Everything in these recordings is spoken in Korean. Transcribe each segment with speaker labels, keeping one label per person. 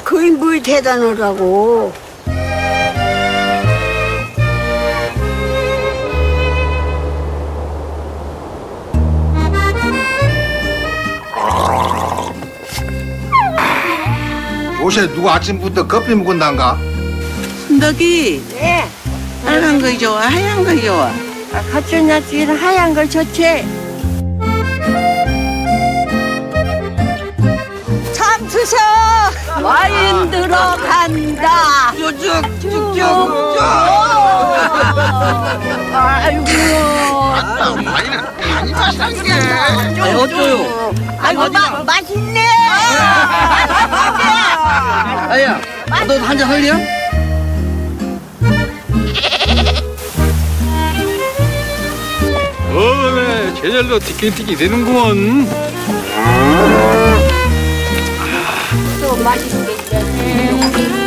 Speaker 1: 그게 뭘 대단하다고.
Speaker 2: 요새 누가 아침부터 커피 먹은단가?
Speaker 3: 순덕이
Speaker 1: 네.
Speaker 3: 빨간 거 좋아 하얀 거 좋아?
Speaker 1: 가출났지는 하얀 걸 좋지. 참 드셔. 와인 들어간다.
Speaker 3: 쭉쭉쭉쭉.
Speaker 1: 아이고.
Speaker 2: 많이 마시는 게.
Speaker 3: 어쩌요?
Speaker 1: 아이고 맛있네.
Speaker 3: 아야, 너 한잔 할래요?
Speaker 4: 그래 제절로 티켓티켓 되는구먼.
Speaker 1: 또 맛있겠네.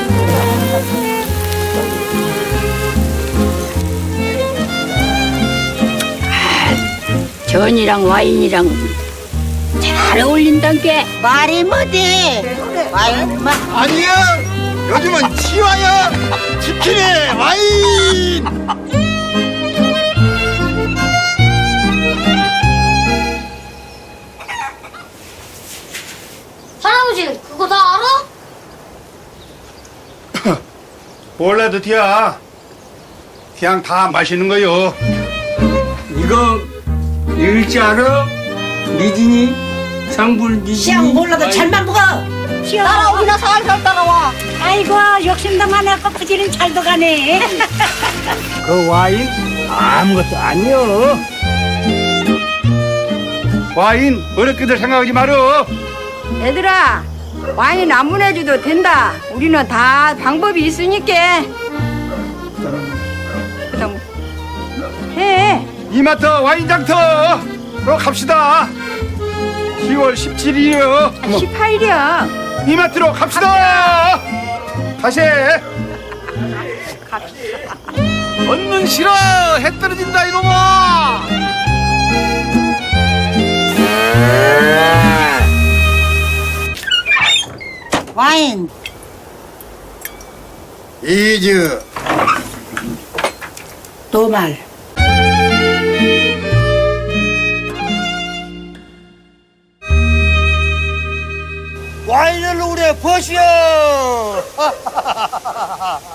Speaker 1: 전이랑 와인이랑 잘 어울린단 게 말이 뭐지? 와인 맛.
Speaker 2: 아니야. 요즘은 치와야 치킨에 와인.
Speaker 5: 할아버지 그거 다 알아?
Speaker 2: 몰라도 티야. 그냥 다 마시는 거요.
Speaker 6: 이거 읽지 알아? 미진이? 상불 미진이?
Speaker 7: 시험 몰라도 잘만 먹어.
Speaker 1: 따라오기나 살살 따라와.
Speaker 7: 아이고 욕심도 많아갖고 부지는 잘도 가네.
Speaker 6: 그 와인 아무것도 아니여.
Speaker 2: 와인 어렵게들 생각하지 말어.
Speaker 8: 얘들아, 와인 안 보내줘도 된다. 우리는 다 방법이 있으니까. 그다음 해.
Speaker 2: 이마트 와인 장터로 갑시다. 10월 17일이요.
Speaker 8: 18이야.
Speaker 2: 이마트로 갑시다. 다시 해.
Speaker 4: 얻는 싫어 해 떨어진다 이놈아.
Speaker 7: 와인.
Speaker 2: 이즈
Speaker 7: 노말.
Speaker 6: 와인을 우리 버시오.